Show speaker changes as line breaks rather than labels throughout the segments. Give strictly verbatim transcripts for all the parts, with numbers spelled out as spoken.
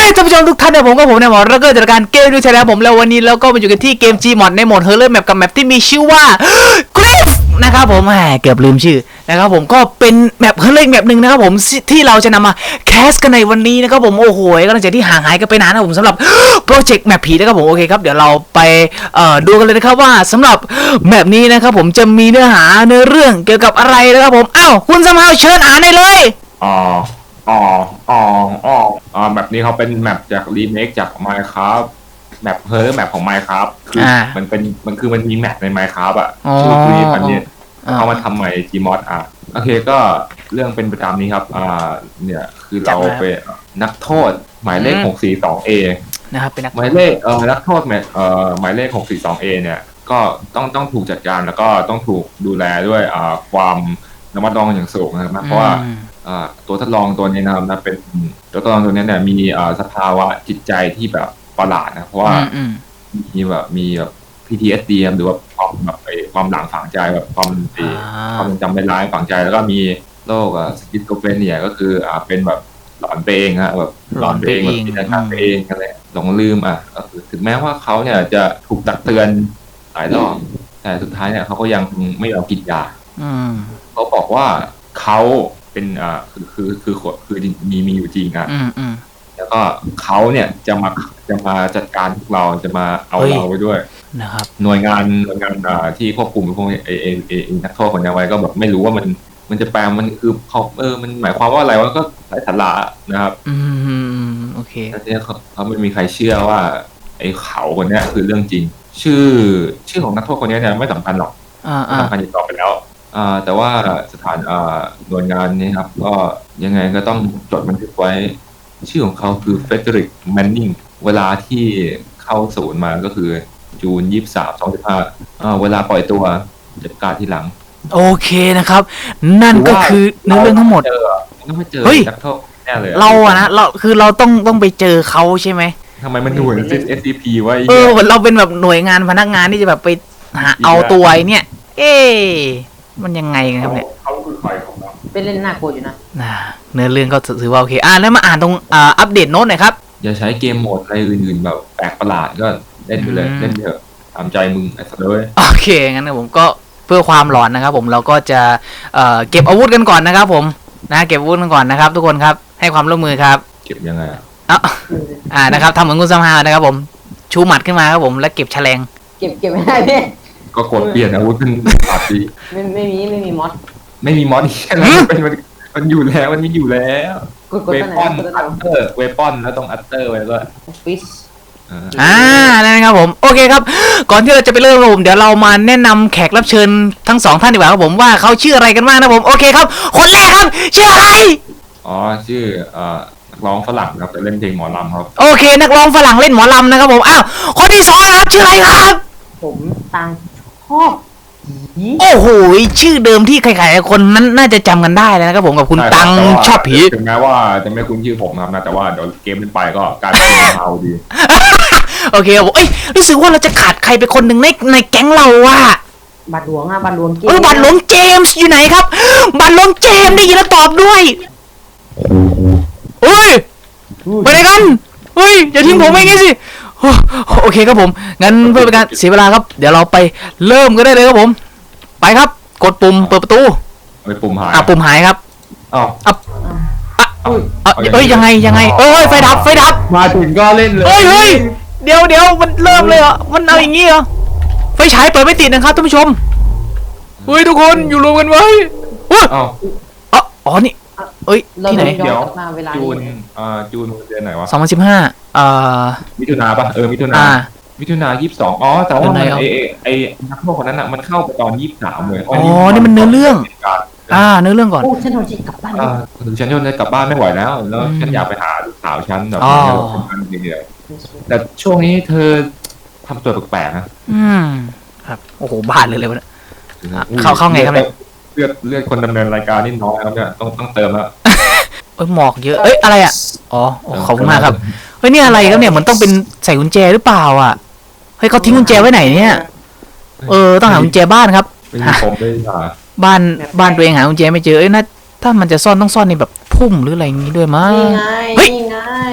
ท่านผู้ชมทุกท่านนะผมก็ผมเนี่ยหมอแล้วก็จัดการเกมดูชาแนลผมแล้ววันนี้เราก็มาอยู่กันที่เกม Gmod ในโหมด Horror Map กับแมปที่มีชื่อว่า Grief นะครับผมแหมเกือบลืมชื่อนะครับผมก็เป็นแมป Horror แมปหนึ่งนะครับผมที่เราจะนำมาแคสกันในวันนี้นะครับผมโอ้โหก็หลังจากที่ห่างหายกันไปนานนะผมสำหรับโปรเจกต์แมปผีนะครับผมโอเคครับเดี๋ยวเราไปเอ่อดูกันเลยนะครับว่าสำหรับแมปนี้นะครับผมจะมีเนื้อหาเนื้อเรื่องเกี่ยวกับอะไรนะครับผมอ้าวคุณสมาวเชิญอ่านได้เลย
อ๋ออ๋ออ๋ออ๋ออ่าแบบนี้เขาเป็นแมปจากรีเมคจาก Minecraft แมปเฮอร์แมปของ Minecraft คือมันเป็นมันคือมันมีแมปใน Minecraft อ่ะชื่อครีปันเนี่ยเขามาทำใหม่ Gmod อ่ะโอเคก็เรื่องเป็นประจำนี้ครับอ่าเนี่ยคือเราเป็นนักโทษหมายเลขหกสี่สองเอ
นะครับเป็นนัก
หมายเลขเอ่อนักโทษเอ่อหมายเลขหกสี่สองเอเนี่ยก็ต้องต้องถูกจัดการแล้วก็ต้องถูกดูแลด้วยอ่าความระมัดระวังอย่างสูงนะครับเพราะว่าตัวทดลองตัวนี้นะครับนะเป็นตัวทดลองตัวนี้เนี่ยมีสภาวะจิตใจที่แบบประหลาดนะเพราะว่ามีแบบมีแบบ พี ที เอส ดี หรือว่าความแบบความหลังฝังใจแบบความความจำไม่ร้ายฝังใจแล้วก็มีโรคสกิสโตเฟเนียก็คืออ่าเป็นแบบหลอนไปเองฮะแบบหลอนไปเองแบบจินตนาการไปเองอะไรหลงลืมอ่ะก็คือถึงแม้ว่าเขาเนี่ยจะถูกตักเตือนหลายรอบแต่สุดท้ายเนี่ยเขาก็ยังไม่ยอมกินยาเขาบอกว่าเขาเป็นอ่าคือคือคือคือมีมีอยู่จริงอ่ะแล้วก็เขาเนี่ยจะมาจะมาจัดการพวกเราจะมาเอาเราไปด้วย
นะครับ
หน่วยงานหน่วยงานอ่าที่ควบคุมพวกเอเอเอนักโทษคนนี้ไว้ก็แบบไม่รู้ว่ามันมันจะแปลมันคือเขาเออมันหมายความว่าอะไรวะก็ไร้สาระนะครับ
อืมโอเค
แล้วเนี่ยเขาเขาไม่มีใครเชื่อว่าไอ้เขาคนนี้คือเรื่องจริงชื่อชื่อของนักโทษคนนี้เนี่ยไม่สำคัญหรอกไม่สำคัญอีกต่อไปแล้วอ่าแต่ว่าสถานอ่าหน่วยงานนี้ครับก็ยังไงก็ต้องจดบันทึกไว้ชื่อของเขาคือเฟเดริกแมนนิงเวลาที่เข้าศูนย์มาก็คือจูนยี่สิบสามสองสิบห้าอ่าเวลาปล่อยตัวจัดการที่หลัง
โอเคนะครับนั่นก็คือเนื้อเรื่องทั้งหมด
ต้องไปเจอนักโทษแน่เลย
เราอะนะเราคือเราต้องต้องไปเจอเขาใช่ไหม
ทำไมมันดูเหมือน เอส ซี พี ไว้
เออเราเป็นแบบหน่วยงานพนักงานที่จะแบบไปหาเอาตัวไอ้เนี่ยเอ๊มันยังไงกันครับเนี่ย
เขาคือใครของเรา
เป็นเล่นหน้าโกรธอยู่นะ
เนื้อเรื่องก็ถือว่าโอเคอ่ะแล้วมาอ่านตรงอ่าอัปเดตโน้ตหน่อยครับ
อย่าใช้เกมโหมดอะไรอื่นๆแบบแปลกประหลาดก็เล่นไปเลยเล่นเถอะตามใจมึงไอ้สัตว์เลย
โอเคงั้นนะผมก็เพื่อความหลอนนะครับผมเราก็จะเอ่อเก็บอาวุธกันก่อนนะครับผมนะเก็บอาวุธกันก่อนนะครับทุกคนครับให้ความร่วมมือครับ
เก็บยังไง
อ่ะอ่านะครับทำเหมือนคุณสมฮาวนะครับผมชูหมัดขึ้นมาครับผมแล้วเก็บแฉลง
เก็บเก็บไม่ได้พี่
ก็กดเปลี่ยนอาวุธเป็นปาร์ตี้
ไม่ไม่มีไม่มีมอส
ไม่มีมอสแค่นั้นเป็นมันมันอยู่แล้วมันมีอยู่แล้วเวปอนอัตเตอร์เวปอนแล้วต้องอัตเตอร์ไว้ด้วย
ฟิช
อ่านั่นครับผมโอเคครับก่อนที่เราจะไปเริ่มผมเดี๋ยวเรามาแนะนำแขกรับเชิญทั้งสองท่านดีกว่าครับผมว่าเขาชื่ออะไรกันบ้างนะผมโอเคครับคนแรกครับชื่ออะไร
อ๋อชื่อเอ่อนักร้องฝรั่งครับเล่นเพลงหมอลำครับ
โอเคนักร้องฝรั่งเล่นหมอลำนะครับผมอ้าวคนที่สองครับชื่ออะไรครับ
ผมตังชอบ
โอ้โหชื่อเดิมที่ใครๆคนนั้นน่าจะจำกันได้นะครับผมกับคุณตังชอบผี
ถึงแม้ว่าจะไม่คุ้นชื่อผมครับนะแต่ว่าเดี๋ยวเกมเล่นไปก็การเป็นเอาดี
โอเคผมเอ้ยรู้สึกว่าเราจะขาดใครไปคนหนึ่งในในแก๊งเราอะ
บัตรหลวงอะบัตรหลวงเกม
เออบัตรหลวงเจมส์อยู่ไหนครับบัตรหลวงเจมส์ได้ยินแล้วตอบด้วยเฮ้ยไปไหนกันเฮ้ยอย่าทิ้งผมไว้งี้สิโอเคครับผมงั้นเพื่อเป็นการเสียเวลาครับเดี๋ยวเราไปเริ่มกันได้เลยครับผมไปครับกดปุ่มเปิดประตู
ไปปุ่มหาย
อ่ะปุ่มหายครับ
อ้าว
อ่ะเอ้ยยังไงยังไงเอ้ยไฟดับไฟดับ
มาถึงก็เล่นเลย
เฮ้ยเฮ้ยเดี๋ยวเดี๋ยวมันเริ่มเลยเหรอมันเอาอย่างงี้เหรอไฟฉายเปิดไม่ติดนะครับท่านผู้ชมเฮ้ยทุกคนอยู่รวมกันไว้อ้าวอ๋ออ๋อนี่เอ้ยที่ไหน
เดี๋ยวจูนอ่าจูนเดือนไหนวะ
สองพันสิบห้าอ่า
มิถุนาป่ะเออมิถุนามิถุนายี่สิบสองอ๋อแต่ว่าไอไอนักโทษคนนั้นอ่ะมันเข้าไปตอนยี่สิบสามเลย
อ๋อนี่มันเนื้อเรื่องอ่าเนื้อเรื่องก่อน
โอ้ฉันโดนจิตกลับบ้าน
อ่าถึงฉันจะกลับบ้านไม่ไหวแล้วแล้วฉันอยากไปหาลูกสาวฉันแบบนี้เดียวแต่ช่วงนี้เธอทำตัวแปลกๆนะ
อืมครับโอ้โหบาดเลยเลยวะเข้าเข้าไงครับเนี่ย
เลือดเลือดคนดำเนินรายการนี่น้อยครับเนี่ยต้องต้องเติมแล้ว
เอ้ยหมอกเยอะเอ้ยอะไรอ่ะอ๋อขอบคุณมากครับเฮ้ยนี่อะไรครับเนี่ยมันต้องเป็นใส่กุญแจหรือเปล่าอ่ะเฮ้ยเขาทิ้งกุญแจไว้ไหนเนี่ยเออต้องหากุญแจบ้านครับ
ผมได้หา
บ้านบ้านตัวเองหากุญแจไม่เจอเอ้ยนะถ้ามันจะซ่อนต้องซ่อนในแบบพุ่มหรืออะไรอย่างนี้ด้วยมั้ง
นี่ไงนี่ไง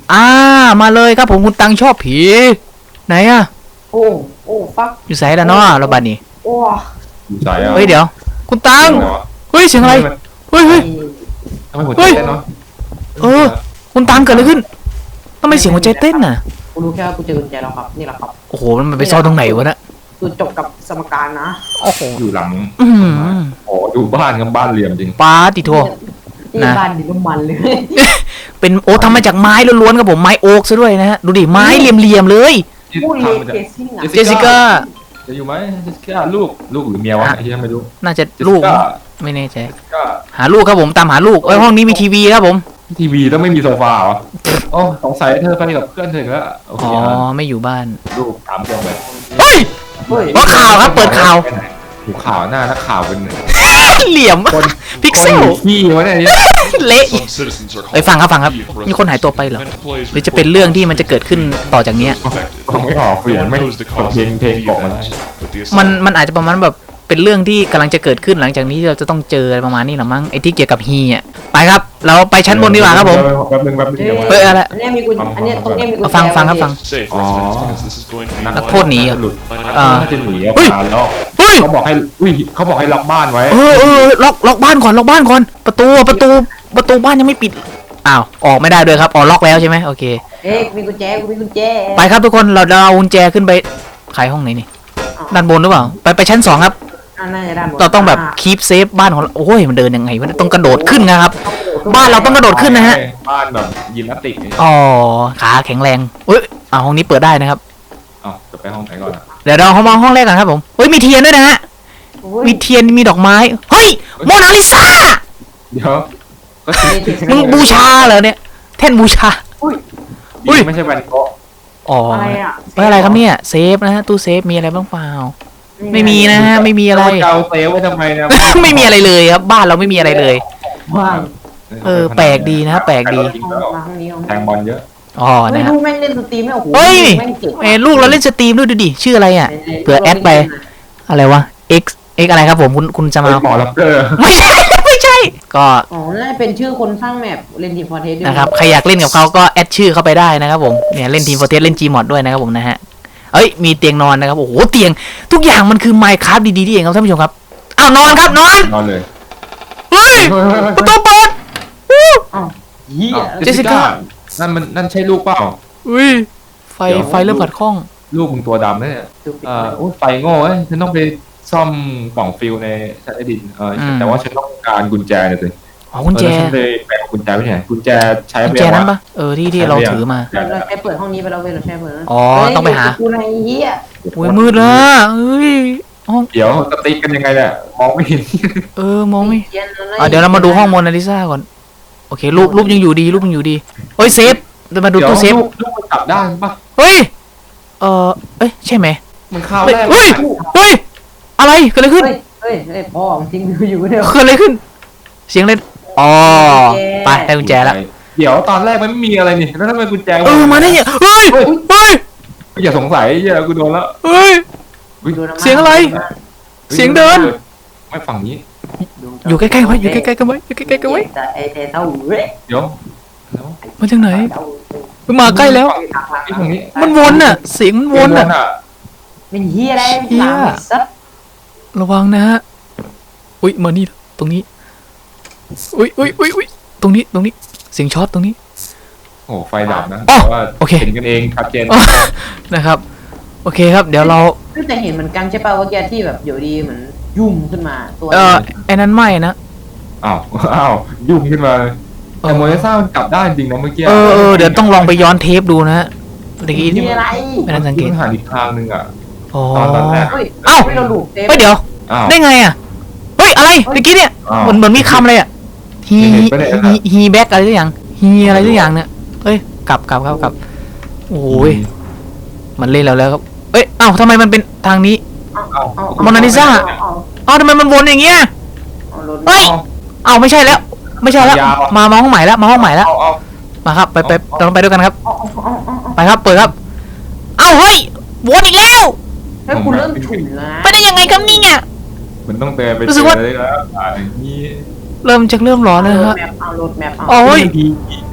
อ่ามาเลยครับผมคุณตังชอบผีไหนอะ
โอ้โอ้ฟัก
อยู่ไสแล้วเนาะเราบัดนี้
โอ้
อยู่ใจอ่ะ
เฮ้ยเดี๋ยวคุณตังเฮ้ยเสียงอะไรเฮ้ยเฮ้ย
ทำไมหัวใจเต้นเนาะ
เออคุณตังเกิดอะไรขึ้นทำไมเสียงหัวใจเต้นน่ะ
กูรู้แค่ว่ากูเจอกุญแจแล้วครับนี่แหละครับ
โอ้โหมันไปซ่อนตรงไหนวะน่ะ
คือจบกับสมการนะ
โอ้โห
อยู่หลัง
อืม
โอ้ดูบ้านกับบ้านเหลี่ยมจริง
ปาติโท
ที่
นะ
บ้านดินน้ำมันเลย
เป็นโอ้ทำมาจากไม้ล้วนๆครับผมไม้โอ๊กซะด้วยนะฮะดูดิไม้เหลี่ยมๆเลย
ที่
พูดเล
ทำ
ย
มาจาก
เจสซี่อ่ะ
เจสสิก้า
จะอยู่ไหมเจสสิก้าลูกลูกหรือเมียวะที่ไม่รู้
น่าจะ
เจส
ลู
สิ
ก
ก้า
ไม่แน่ใจ
ก็
หาลูกครับผมตามหาลูกเอ้ยห้องนี้มีทีวีครับผม
ทีวีต้องไม่มีโซฟาเหรอโอ้สงสัยเธอไปกับเพื่อนเธออีกแล้วโอเค
อ๋อ
อ่ะ
ไม่อยู่บ้าน
ลูกถามเรื่องเลย
เฮ้ย
เฮ้ย
ว่าข่าวครับเปิดข่าว
หูข่าวหน้านักข่าวเป็น
เหลี่ยม
คน
พิกเซล
คนอยู่ขี้วะเนี่ย
เละ
Some citizens are
เอ้ยฟังครับฟังครับมีคนหายตัวไปเหรอ
and plays
หรือจะเป็นเรื่องที่มันจะเกิดขึ้นต่อจากเนี้ย
คงไม่ออกเสียงไม่เพลงเพลงบอกมาได้
but the
มัน
assault
มันอาจจะประมาณแบบเป็นเรื่องที่กำลังจะเกิดขึ้นหลังจากนี้ที่เราจะต้องเจออะไรประมาณนี้หรอมั้งไอ้ที่เกี่ยวกับฮีอ่ะไปครับ เราไปชั้นบนดีกว่าครับผม
แป๊บนึงแป๊บนึงเดี๋ยว
เฮ้ยอะไร
อันเนี้ยมีกุญอันเนี้ยตรงเนี้ยมีกุญ
เอา
แจ
ฟังฟังครับฟัง
safe
Oh.
residence because this is going to be
นัก
one
โทษหนีเหรอ
หลุด
อ่า
น่าจะหนีออก
เฮ้ย
มาแล้ว
เฮ้ย
เขาบอกให้อุ้ยเขาบอกให้ล็อกบ้านไว้
เออเออล็อกล็อกบ้านก่อนล็อกบ้านก่อนประตูประตูประตูบ้านยังไม่ปิดอ้าวออกไม่ได้ด้วยครับอ๋อล็อกแล้วใช่ไหมโอเค
เอ๊ะมีกุญแจกูมีกุญแจ
ไปครับทุกคนเราเราเอากุญแจขึ้นไปขายห้องไหนนี่ด้านบนหรือเปล่าไปไปชั้นสองครับ
อ่าน่าจะด้านบน
เราต้องแบบคีปเซฟบ้านของเราโอ้ยมันเดินยังไงวะเนี่ยต้องกระโดดขึ้นนะครับ บ้านเราต้องกระโดดขึ้นนะฮะ
บ้านแบบยิมนาสติก
อ๋อขาแข็งแรงเอ้ยอ่าห้องนี้เปิดได้นะครับ
อ๋อจะไปห้องไหนก่อนอะ
เดี๋ยวเราเข้ามาห้องแรกกันครับผมเฮ้ยมีเทียนด้วยนะฮะ
โอ้ย
มีเทียนมีดอกไม้เฮ้ยโมนาลิซา
เดี๋ยวก็คือ
มึงบูชาเหรอเนี่ยแท่นบูชา
อุ้ย
อุ้ย
ไม่ใช่แวนโกะ
อ๋อ
อะไรอ่ะ
ไว้อะไรครับเนี่ยเซฟนะฮะตู้เซฟมีอะไรบ้างเปล่าไม่มีนะฮะไม่มีอะไร
แล้วเกาเซลไว้ทำไมเนะ
ไม่มีอะไรเลยครับบ้านเราไม่มีอะไรเลย
ว่าง
เออแปลกดีนะแปลกดี
มาห้องนี้ห้อง
แทงบอลเยอะ
อ๋อ
ไม่
นะฮะ
รู้แม่งเล่นสตรีมไม่โอ้โห
เฮ้ย
แม่งเก่ง
เอ้ยลูกเราเล่นสตรีมด้วยดูดิชื่ออะไรอ่ะ เผื่อแอดไป อะไรวะ x x อะไรครับผมคุณคุณจะ
เฮ้
มาย
หมอรับเกอร์
ไม่ใช่ไม่ใช่ ก็
อ๋อน่าจะเป็นชื่อคนสร้างแมปเล่นทีมฟอร์เทส
นะครับใครอยากเล่นกับเขาก็แอดชื่อเข้าไปได้นะครับผมเนี่ยเล่นทีมโฟร์เทสเล่น Gmod ด้วยนะครับผมนะฮะเอ้ยมีเตียงนอนนะครับโอ้โหเตียงทุกอย่างมันคือ Minecraft ดีๆที่เองครับท่านผู้ชมครับอ้าวนอนครับนอน
นอนเลย
เฮ้ยประตูเปิดอู้
อ้าวเฮีย
เจสสิก้า
นั่นมันนั่นใช่ลูกเปล่า
อุ้ยไฟไฟเริ่มขัดข้อง
ลูกมึงตัวดำเนี่ยเอ่อโอ้ยไฟโง่เอ้ยฉันต้องไปซ่อมกล่องฟิลในชั้นใต้ดินเอออ
ม
แต่ว่าฉันต้องการกุญแจเนี่ยสิ
อ๋อกุญแจ
เออฉันเลยไปเอากุญแจไปไหนกุญแจใช้
กุญ
ไป
แจ
ยัง
นั้น
วะ
ปะเออที่ที่เราถือมา
เราเราใช้เปิดห้องนี้ไปแล้วเว้ยเราใช้เปิดนะ
อ๋อ
เฮ้ย
ต้องไปหา
กูในเฮีย
อุ้ยมืดแล้วเอ้ยห้อง
เดี๋ยวสติ๊กกันยังไงเนี่ยมองไม่เห็น
เออมองไม่
เขียนอะไร
อ่ะเดี๋ยวเรามาดูห้องโมนาลิซาก่อนโอเครูปรูปยังอยู่ดีรูปยังอยู่ดีเฮ้ยเซฟเดี๋ยวมาดู
เดี๋ยว
ตู้เซฟ
ลูกลูกมันจับได้ปะ
เฮ้ยเออเอ้ยใช่ไหม
มันเข้า
เฮ้ย
ได้
เฮ้ยเฮ้ยอะไรเกิดอะไรขึ้น
เฮ้ยเฮ้ยเฮ้ยพ่อของทิ้งดูอยู่เดียว
เกิดอะไรขึ้น เสียงเล่นอ๋อไปได้กุญแจแล้ว
เดี๋ยวตอนแรกมันไม่มีอะไรนี่แล้วทำไมกุญแจ
เออมาได้เนี่ยเฮ้ยเฮ้ย
อย่าสงสัยเหี้ยกูโดนแล้ว
เฮ้ย
ดูน้ำมัน
เสียงอะไร เสียงเดิน
ไม่ฝั่งนี้
อยู่ใกล้ๆไว้อยู่ใกล้ๆกันไว้อยู่ใกล้ๆกันไว้
แต่ไอ้แต่เต้าเว้ย
เดี๋ยวแล้ว
มาจากไหนมาใกล้แล้ว
ไอ้ฝั่งนี้
มันวนน่ะเสียงมันวนน่ะ
เป็นเฮียอะไร
เหี้ย
หลังซัด
ระวังนะฮะอุ้ยมานี่ตรงนี้อุ้ยอุ้ยอุ้ยอุ้ยตรงนี้ตรงนี้เสียงช็อตตรงนี้
โอ้ไฟดับนะ
อ๋อ
แต่ว่า
โอเค
เห็นกันเองชัดเจน
นะครับโอเคครับเดี๋ยวเรา
แต่เห็นเหมือนกันใช่ป่าวว่าแกที่แบบอยู่ดีเหมือนยุ่มขึ้นมาตัว
เออไอ้นั้นไม่นะ
อ้าวอ้าวยุ่งขึ้นมาเลยแต่โมเดลซ่ามันกลับได้จริงนะเมื่อกี้
เออเออเดี๋ยวต้องลองไปย้อนเทปดูนะฮะเมื่อกี้
มีอะไร
ไม่ทันสังเกต
มันหันอีกทางหนึงอ่ะ
อ๋อ
ตอนตอนแรก
เฮ้ย
เอ้า
ไม่เราหลุดเซฟ
เฮ้ยเดี๋ยว
อ้าว
ได้ไงอ่ะเฮ้ยอะไรเมื่อกี้เนี่ย
อ้าว
เหมือนเหมือนมีคำอะไรอ่ะฮี
เห็นปะเนี่ย
ฮีฮีแบ็กอะไรสักอย่างฮีอะไรสักอย่างเนี่ยเอ้ยกลับกลับครับกลับโอ้ยมันเล่นแล้วแล้วครับเอ้ยเอ้าทำไมมันเป็นทางนี้
เอาเอาเอา
โมนาลิซา
เอเอา
เอ้าทำไมมันวนอย่างเงี้ย
เอารถ
เฮ้ย เอ้าไม่ใช่แล้ว ไม่ใช่แล้วมามาห้องใหม่แล้วมาห้องใหม่แล้ว
เอาเอา
มาครับไปไปเราต้องไปด้วยกันครับ
เอาเอาเอาเอาเอา
ไปครับเปิดครับเอ้าเฮ้ยวนอีกแล้ว
เฮ้ยคุณเริ่มฉุนแล้วนะ
ไปได้ยังไงครับนี่เนี่ย
มันต้องเดินไป
รู้สึกว่า
เจอเลยแล้วอ่าอย่างนี้
เริ่มจากเริ่มร้อนแล้วนะฮะ
แมปเอารถแมปเอา
โอ้ย
ดี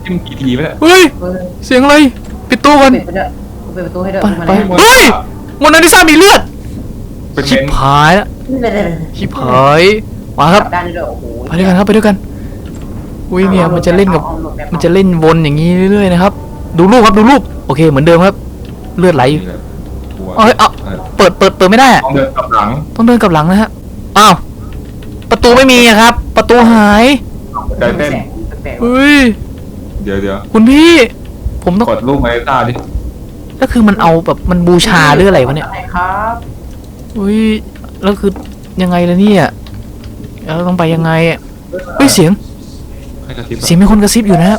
ที่มันกี่ทีไหมเนี่ย
เฮ้ย
เฮ้ย
เสียงอะไรปิดตู้กัน
ปิดไปด้วยปิดประตูให้ด้วย
ไป
มา
ไป
เลย
เฮ้ยโมนาลิซามีเลือด
เป็น
ชิ
เม
บ
น
หายแล้ว
นี่เลยเลย
ชิบหายมาครับ
กลับด้านนี้ด้วยโอ้โห
ไปด้วยกันครับไปด้วยกันอุ้ยเนี่ยมันจะเล่นกับมันจะเล่นวนอย่างนี้เรื่อยๆนะครับดูรูปครับดูรูปโอเคเหมือนเดิมครับเลือดไหลอยู่
นี่แหละหัว
เอ้ยเอา
เออ
เปิดเปิดเปิดไม่ได้อะ
ต้องเดินกลับหลัง
ต้องเดินกลับหลังนะฮะอ้าวประตูไม่มีอะครับ ประตูหาย
ใจเต้น
แปลกๆว่ะ
เฮ้ย
เดี๋ยวเดี๋ยว
คุณพี่ ผมต้อง
กดรูปมาให้ตาดิ
ก็คือมันเอาแบบมันบูชาหรืออะไรวะเนี่ย
ใช่ครับ
เฮ้ยแล้วคือยังไงล่ะเนี่ยแล้วต้องไปยังไงอะเฮ้ยเสียง
ให้กระซิบ
เสียงมีคนกระซิบอยู่นะครับ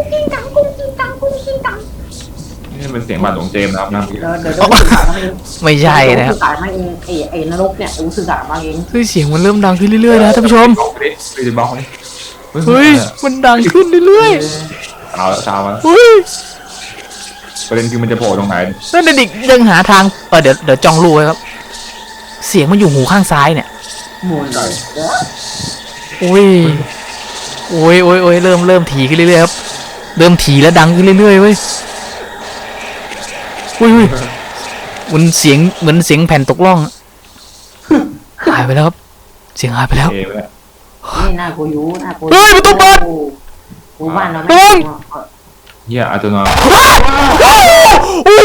นี่เป็นเสียงบาดหลวงเจมส์นะครับนะ
เดี๋ยวเดี๋ยวเดี๋ยวสื่อสารมาเอง
ไม่ใช่นะครับ
สื่อสารมาเองไอ้ไอ้นรกเนี่ยกูสื่อสารมาเอง
เฮ้ยเสียงมันเริ่มดังขึ้นเรื่อยๆนะท่านผู้ชม
บล็อกดิไปบล็อกดิ
เฮ้ยมันดังขึ้นเรื่อย
เอาละตามมา
ๆเฮ้ย
ประเด็นคือมันจะโผล่ตรงไหน
นั่นเด็กยังหาทางเออเดี๋ยวเดี๋ยวจ้องรูไว้ครับ เสียงมันอยู่หูข้างซ้ายเนี่ย
หมุนเลยเดี๋ยว
โอ้ยโอ้ยโอ้ยโอ้ยเริ่มเริ่มถี่ขึ้นเรื่อยๆครับเริ่มถี่และดังขึ้นเรื่อยๆเว้ยอุ้ยอุ้ยมันเสียงเหมือนเสียงแผ่นตกล่องอะหายไปแล้วครับเสียงหายไปแล้ว
เอไปแล้ว
นี่หน้ากูยูหน้ากู
เฮ้ยประตูเปิด
กูบ้านเรา
ระวัง
เฮียอาจจะนอน
โอ้โอ้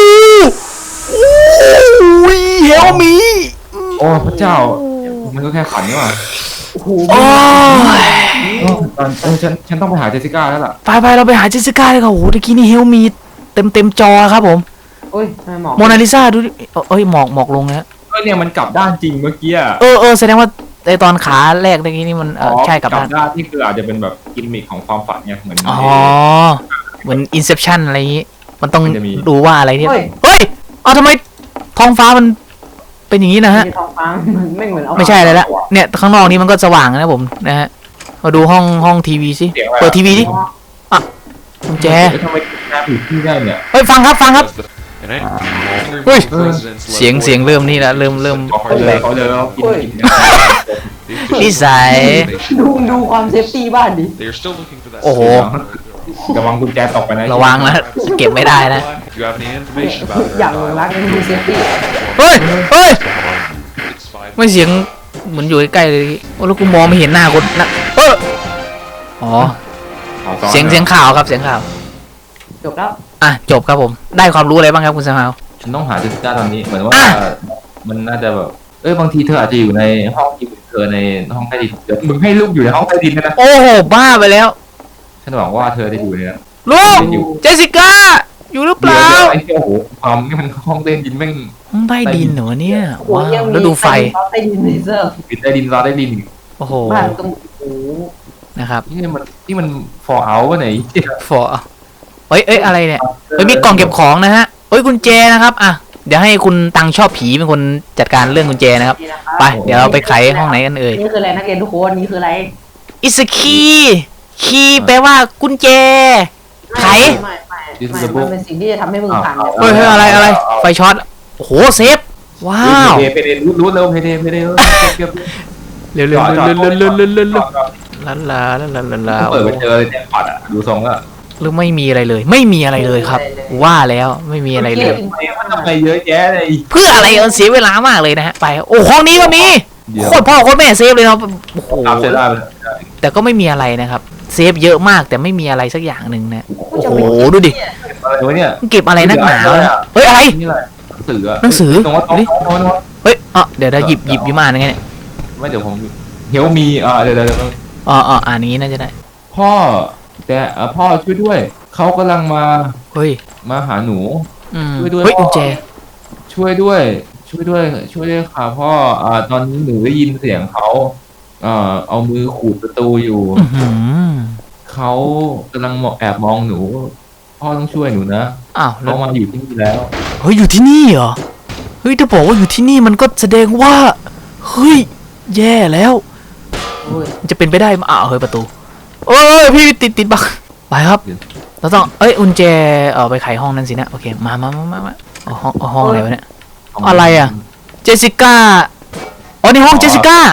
โอ้ยเฮลมี
โอ้พระเจ้า มันก็แค่ขันนี่หว่า
โอ้โห
โอ้ย
เออตอนเออฉันฉันต้องไปหาเจสสิก้าแล้วล่ะ
ไปไปเราไปหาเจสสิก้าเลยครับโอ้โหตะกี้นี่เฮลมีเต็มเต็มจอครับผม
เฮ้ยทำไมหมอก
โมนาลิซาดูดิเอ้ยหมอกหมอกลงนะ
เออเนี่ยมันกลับด้านจริงเมื่อกี้อะ
เออเออแสดงว่าไอตอนขาแรกตะกี้นี่มันเออใช่กลับด้าน
ด้านที่คืออาจจะเป็นแบบกิมมิคของความฝันเนี่ยเหมือน
อ๋อเหมือนอินเซปชันอะไรอย่างงี้ มันต้อง
มันจะมี
ดูว่าอะไรที่
เฮ้ย
เฮ้ยเอาทำไมท้องฟ้ามันเป็นอย่างนี้นะฮะ
มีท้องฟ้ามันไม่เหมือนเอา
ไม่ใช่อะไรละเนี่ยข้างนอกนี้มันก็สว่างนะผมนะฮะมาดูห้องห้องทีวีสิ
เสียงอะไร
เปิดทีวีดิกุญแจ
เอ๊ะทำไมหน้าผิดที่ได้เนี่ย
เฮ้ยฟังครับฟังครับ
And I wonder
Ui.
if the president's
เสียง
left
เสียงเริ่มนี่ละเริ่มเริ่ม
เขาเลยเขาเลยเขากินกินเนี่ย
They
นิสัย
ดูดูความเซฟตี้บ้านดิ
They are still looking for that.
โอ้โห
ระวังกุญแจตกไปนะ
ระวังนะเก็บไม่ได้นะ
If you have any information about her,
อย่างหลงรักยังดูเซฟตี้
เฮ้ยเฮ้ย
it's five.
ไม่เสียงเหมือนอยู่ใกล้ๆเลยโอ้แล้วกูมองไม่เห็นหน้าคนนะเอออ๋อ
อาซ้อน
เสียงเสียงข่าวครับเสียงข่าว
จบแล้ว
อ่ะจบครับผมได้ความรู้อะไรบ้างครับคุณสมาว
ฉันต้องหาเจสสิก้าตอนนี้เหมือนว่า
อ่ะ
มันน่าจะแบบเอ้ยบางทีเธออาจจะอยู่ในห้องที่เธอในห้องใต้ดินเดี๋ยวมึงให้ลูกอยู่ในห้องใต้ดินนะ
โอ้โหบ้าไปแล้ว
ฉันหวังว่าเธอจะอยู่ในนั้น
ลูก
อยู่
เจสสิก้าอยู่หรือเป
เดี๋ยว
ล่า
เดี๋ยวไอ้เหี้ยโอ้โหความนี่มันห้องใต้ดินแม่ง
ห้องใต้ดินเหรอเนี่ย
โอ้โห
ว้า
ยัง
ว
มี
แล้วดูไฟ
ใต้ดินเลเซอร์
ปิดใต้ดินรอใต้ดิน
โอ้โห
บ้านตรงโอ้โห
นะครับ
นี่มันนี่มัน for out วะไหน
ฟอเอ้ยเอ้ยอะไรเนี่ยเอ้ยมีกล่องเก็บของนะฮะเอ้ยกุญแจนะครับอ่ะเดี๋ยวให้คุณตังชอบผีเป็นคนจัดการเรื่องกุญแจนะครับ
นี่นะครับ
ไปเดี๋ยวเราไปไขห้องไหนกันเอ่ย
นี่คืออะไรนักเรียนทุกคนนี่คืออะไร
อิสคีคีแปลว่ากุญแจ ไข
ไม่ไม่ไม่ไม่มันเป็นสิ่งที่จะทำให้มึงผ่าน
อ้าว
เฮ้ยเฮ้ยอะไรอะไรไฟช็อตโอ้โหเซฟว้าว
เพเดเพเดรู้รู้เร็วเพเดเพเดเก็บ
เร็วเร็วเร็วเร็วเร็วเร็วเร็วเร็วเร็วลาลาลาลาลาลา
เปิดไปเจอเลยเนี่ยปัดอ่ะดูทรงแล้ว
หรือไม่มีอะไรเลย ไม่มีอะไรเลยครับ ว่าแล้วไม่มีอะไรเลย
มันทำไมเยอะแยะเลย
เพื่ออะไรเออเสียเวลามากเลยนะฮะไปโอ้ห้องนี้ก็มี
เดี๋ยว
โคตรพ่อโคตรแม่เซฟเลยเนาะโอ้โห
ตามเซได้ไป
แต่ก็ไม่มีอะไรนะครับ เซฟเยอะมากแต่ไม่มีอะไรสักอย่างหนึ่งนะโอ้โหดูดิ
อะไรวะเนี่ย
มันเก็บอะไรนักหนาวะเฮ้ยอะไร
นี่อะไรหนังสืออะ
หนังสือ
ตรงว่าตรงตรงว่า
เฮ้ยอ่ะเดี๋ยวเดี๋ยวหยิบหยิบหยิบมาอะไรเงี้ยเนี่ย
ไม่เดี๋ยวผมเฮลมีอ่าเดี๋ยวเดี๋ยว
อ๋ออ๋ออ่านนี้น่าจะได้
พ่อแต่พ่อช่วยด้วยเขากำลังมา
เฮ้ย
มาหาหนู
อืม
ช่วยด้วย
เฮ้ยกุญแจ
ช่วยด้วย ช่วยด้วย ช่วยด้วยค่ะพ่ออ่าตอนนี้หนูได้ยินเสียงเขาเอ่อเอามือขูดประตูอยู่
อื้อหือ
เขากำลังมองแอบมองหนู พ่อต้องช่วยหนูนะ
อ้าวแล้
เขา
ว
มาอยู่ที่นี่แล้ว
เฮ้ยอยู่ที่นี่เหรอเฮ้ยถ้าบอกว่าอยู่ที่นี่มันก็แสดงว่าเฮ้ยแย่แล้ว
โอ้ย
มันจะเป็นไปได้ไหมอ้าวเฮ้ยประตูเอ้ยพี่ติดติดบักไปครับเราต้องเอ้ยกุญแจเออไปไขห้องนั้นสินะโอเคมามามามามาเอาห้องเอาห้องอะไรวะเนี่ย อะไรอะ เจสสิก้าอ๋อนี่ห้องเจสสิก้า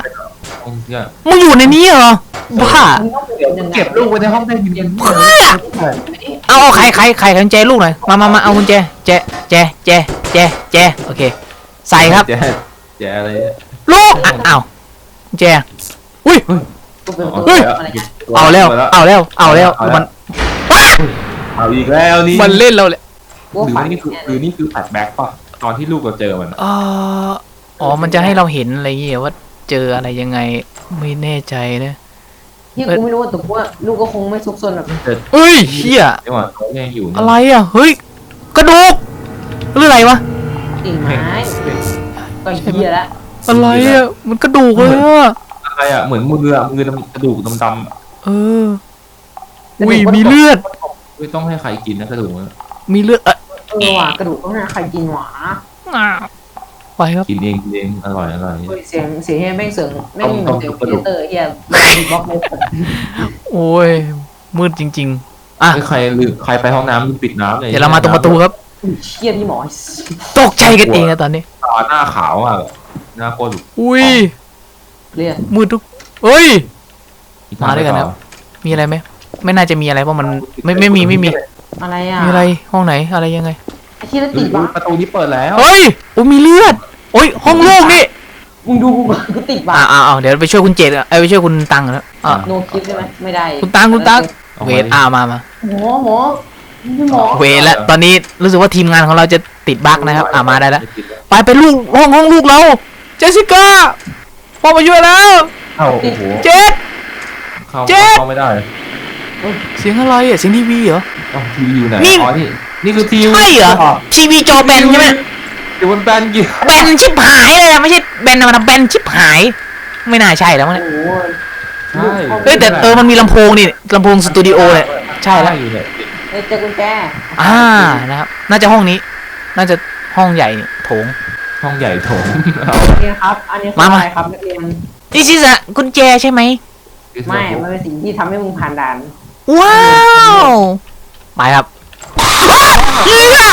เนี่ย
มึงอยู่ในนี้เหรอบ้า
มึงต้องเก็บยังไง
เก็บลูกไว้ในห้องได้ยินยัง
เอาเอาใครใครใครกุญแจลูกหน่อยมามามาเอากุญแจแจแจแจแจแจโอเค ใส่ครับ
แจ๊แจ๊อะไรเนี่ย
ลูกอ่ะอ้าวกุญแจอุ้ย
กูเป็นตัว
เฮ้ย
อะไรเงี้ย
เอาแล้วเอาแล้วเอาแล้วมันว้า
เอาอีกแล้วนี่
มันเล่นเราเลย
กู
หรือ
ฝั
ว่าน นี่คือหรือนี่คือแฟลชแบ็กป่ะตอนที่ลูกเราเจอมันอะ
เอ่ออ๋อมันจะให้เราเห็นอะไรอย่างเงี้ยว่าเจออะไรยังไงไม่แน่ใจนะ
ที่กูไม่รู้ว่าแต่กูว่าลูกก็คงไม่ซุกซนแบบ
เจอ
เอ้ยเฮีย
จังหวะเขายังอยู่เนี่ย
อะไรอ่ะเฮ้ยกระดูกหรืออะไรวะ
กิ่งไม้ก็เหี้ยละ
อะไรอ่ะมันกระดูกเลยอ่ะ
อะไรอ่ะเหมือนมืออะมือดำกระดูกดำๆอะ
เอออุ้ยมีเลือด
ไม่ต้องให้ใครกินนะกระดูกอะ
มีเลือดเออ
เออว่ะกระดูกต้องให้ใครกินหวา
อ้าวไปครับ
กินเองกินเองอร่อยอร่อย
เฮ้ยเสียงเสียงเฮียแม่งเสียงแม่งเหมือนเสียง
ต้อง
คอมพิวเตอร์เฮียมีบล็อกเลย
โอ้ยมืดจริงๆอ่ะ
เฮ้ยใครลืมใครไปห้องน้ำลืมปิดน้ำเลย
เดี๋ยวเรามาตรงประตูครับ
อุ้ยเชี่ยนี่หมอ
ตกใจกันเองอะตอนนี้
ตาหน้าขาวอ่ะหน้าโคตร
อุ้ย
เรียก
มืดทุกเฮ้ย มาด้วยกันครับ มีอะไรไหมไม่น่าจะมีอะไรเพราะมันไม่ไม่มีไม่มี
อะไรอ่ะ
มีอะไรห้องไหนอะไรยังไง
ไอ้ที่แล้ว
อุ๊
ติ
ย
ดบ้า
ประตูนี้เปิดแล้ว
เฮ้ยโอ้ยมีเลือดโอ้ยห้องโล่งนี่
มึงดูกูก่อนกูติดบ้า
อ่าอ่าเดี๋ยวไปช่วยคุณเจดอะเอ้ยไปช่วยคุณตังแล้วอ่า
โนคลิปใช่ไหมไม่ได้
คุณตังคุณตังเวทอ่ามามา
หมอหมอนี่หมอ
เวทแล้วตอนนี้รู้สึกว่าทีมงานของเราจะติดบั๊กนะครับอ่ามาได้แล้วไปไปลูกห้องห้องลูกเราเจสสิก้าพ่อมาช่วยแล้ว
เอ้าโอ้โห
เจด
เข้า
เจ็ด
เข้าไม่ได้
เสียงอะไรอ่ะเสียงทีวีเหรอ
เอ้าทีวีอยู่ไหน
นี่
อ๋อนี่นี่คือทีวี
ใช่เหรอทีวีจอแบนใช่ไหม
อยู่บนแบนกี่
แบนชิบหายเลยอะไม่ใช่แบนธรรมดาแบนชิบหาย ไม่น่าใช่แล้วมั้ง
โอ้
เนี่ย
โห
ใช่
เฮ้ยแต่เออมันมีลำโพงนี่ลำโพงสตูดิโอเนี่ยใช่แล้ว
อยู่เนี่ย
เฮ้ยเจอกุญแจ
อ่านะครับน่าจะห้องนี้ น่าจะห้องใหญ่นี่โถง
ห้องใหญ่โถงเอา
นี่ครับอันนี้คือ
มามา
อะไรครับนักเรียน
นี่ชิสะกุญแจใช่ไหม
ไม่มันเป็นสิ่งที่ทำให้มึงผ่านด่าน
ว้าวไปครับเฮีย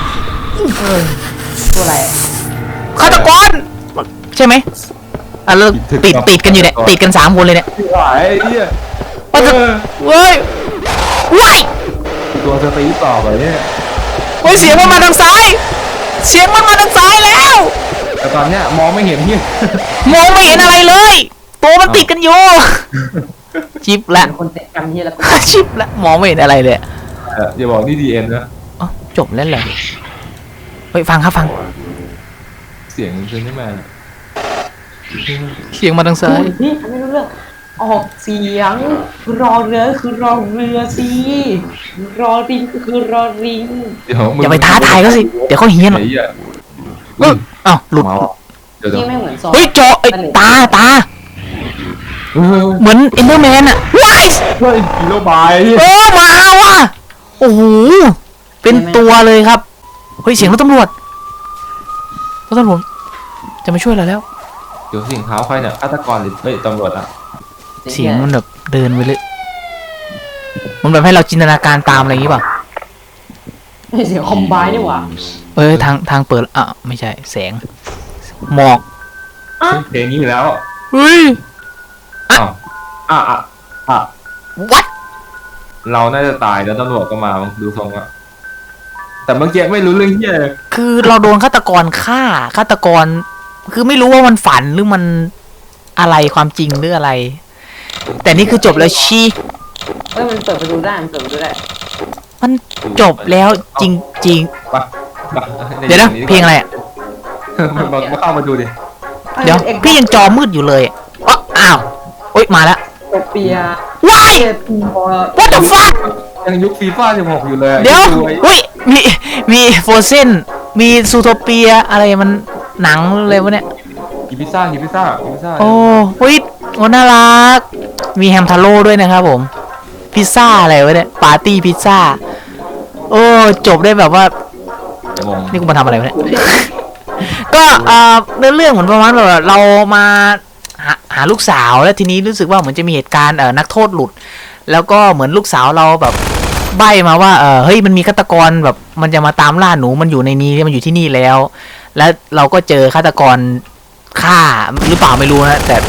ตัวอะไร
ฆาตกรใช่ไหมอ่ะแล้วติดติดกันอยู่เนี่ยติดกันสามคนเลยเนี่ย
ไหวไอ้เนี่ย
ว่าจะเว้ยว้าย
ตัวสตีฟต่อไปเนี่ย
เฮ้ยเสียงมันมาทางซ้าย เสียงมันมาทางซ้ายแล้ว
แต่ตอนเนี้ยมองไม่เห็นเนี่ย
มองไม่เห็นอะไรเลย ตัวมันติดกันอยู่ชิปละ
เป็นคนเตะกันที่แล้วก็
ชิปละมองไม่เห็นอะไรเลย
เอออย่าบอกนี่ดีเอ็นนะ
อ๋อจบแล้วเหรอเฮ้ยฟังครับฟัง
เสียงเซนนี่แมน
เสียงมาทางซ้าย
นี่ไม่รู้เรื่องออกเสียงรอเรือคือรอเรือสิรอริงก็คือรอริง
เดี๋ยวมึง
อย่าไปท้าทายเขาสิ เดี๋ยวเขาเฮี้ยนหรอก
ไอ้เหี้ย
เอออ้าวหลุด
มาว่ะเดี๋ยวเดี๋ย
ที่
ว
ไม่เหมือนซอ
เฮ้ยจอไอ้ตาตา
เออ
เหมือนเอ็นเดอร์แมนอะว้าย
เฮ้ยกิโลบาย
เออมาว่ะโอ้โหเป็นตัวเลยครับเฮ้ยเสียงรถตำรวจรถตำรวจจะมาช่วยเราแล้ว
เดี๋ยวเสียงเท้าใครเนี่ยฆาตกรหรือเฮ้ยตำรวจอ่ะ
เสียงมันแบบเดินไปเลยมันแบบให้เราจินตนาการตามอะไรอย่างงี้ป่ะ
เสียงคอมไบนี่หว่า
เอ้ยทางทางเปิดอ่ะไม่ใช่แสงหมอก
เพลงนี้อยู่แล้ว
เฮ้ย
อ้าวอ่ะอ่ะอ่ะ
วัด
เราน่าจะตายแล้วตำรวจก็มาดูทรงอะแต่เมื่อกี้ไม่รู้เรื่องเหี้ยเลย
คือเราโดนฆาตกรฆ่าฆาตกร คือไม่รู้ว่ามันฝันหรือมันอะไรความจริงหรืออะไร แต่นี่คือจบแล้วชี
เฮ้ยมันเปิดประตูได้มันเปิดประตูได้
มันจบแล้วจริงจริง
ไปไป
ๆเดี๋ยวนะเพลงอะไรอ่ะ
มามาเข้ามาดูดิ
เดี๋ยวพี่ยังจอมืดอยู่เลยอ๋ออ้าวโอ๊ยมาแล้ว
โอเปีย
ว้าย
เจ็บปวด
what the fuck
ยังยุคฟีฟ่าสิบหกอยู่เลยอะ
เดี๋ยว
ไอ้
เฮ้ยมีมีโฟเซนมีซูโทเปียอะไรมันหนังเลยวะเนี่ย
กินพิซซ่ากินพิซซ่ากินพิซซ่า
โอ้เฮ้ยโอ้น่ารัก มีแฮมทาโร่ด้วยนะครับผม พิซซ่าอะไรวะเนี่ย ปาร์ตี้พิซซ่า โอ้ จบได้แบบว่า
งง
นี่กูมาทำอะไรวะเนี่ย ก็เอ่อเรื่องเรื่องเหมือนประมาณแบบเรามาหาหาลูกสาวแล้วทีนี้รู้สึกว่าเหมือนจะมีเหตุการณ์เอ่อนักโทษหลุด แล้วก็เหมือนลูกสาวเราแบบใบ้มาว่าเออเฮ้ยมันมีฆาตกรแบบมันจะมาตามล่าหนูมันอยู่ในนี้มันอยู่ที่นี่แล้ว แล้วเราก็เจอฆาตกรฆ่าหรือเปล่าไม่รู้นะแต่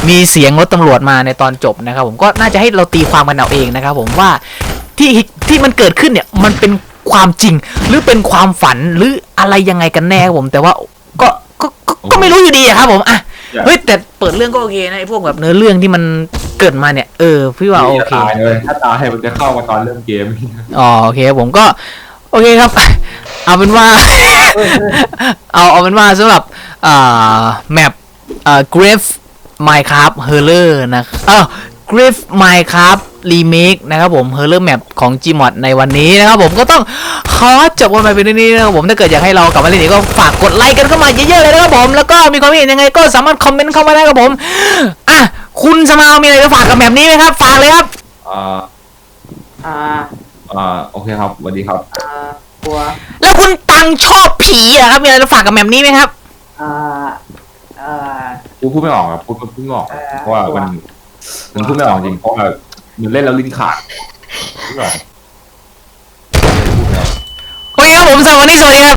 มีเสียงรถตำรวจมาในตอนจบนะครับผมก็น่าจะให้เราตีความกันเอาเองนะครับผมว่าที่ที่มันเกิดขึ้นเนี่ยมันเป็นความจริงหรือเป็นความฝันหรืออะไรยังไงกันแน่ครับผมแต่ว่าก็ก็ก็ก็ไม่รู้อยู่ดีอะครับผมอ่ะเฮ้ยแต่เปิดเรื่องก็โอเคนะไอ้พวกแบบเนื้อเรื่องที่มันเกิดมาเนี่ยเออพี่ว่าโอเค
ตายเลยถ้าตายมันจะเข้ามาตอนเริ่มเกม
อ๋อโอเคผมก็โอเคครับ เอาเป็นว่า เอาเอาเป็นว่าสำหรับอ่าแมปอ่า Grave Minecraft Horror นะเออ Grave Minecraft Remake นะครับผม Horror Map ของ Gmod ในวันนี้นะครับผมก็ต้องขอจบกันไปเป็นนี้นะครับผมถ้าเกิดอยากให้เรากลับมาเล่นอีกก็ฝากกดไลค์กันเข้ามาเยอะๆเลยนะครับผมแล้วก็มีความเห็นยังไงก็สามารถคอมเมนต์เข้ามาได้ครับผมอ่ะคุณสมาวมีอะไรจะฝากกับแมปนี้ไหมครับฝากเลยครับ
อ่า
อ่า
อ่าโอเคครับสวัสดีครับ
อ่ากลัว
แล้วคุณตังชอบผีอะครับมีอะไรจะฝากกับแมปนี้ไหมครับ
อ่าเอ่อ
พูดพูดไม่ออกครับพูดพูดไม่ออก
เอ่อ
เพราะว่ามันมันพูดไม่ออกจริงเพราะว่ามันเล่นแล้วลิ้นขาดพูดไม่ออก
โอเคครับผมสำหรับวันนี้สวัสดีครับ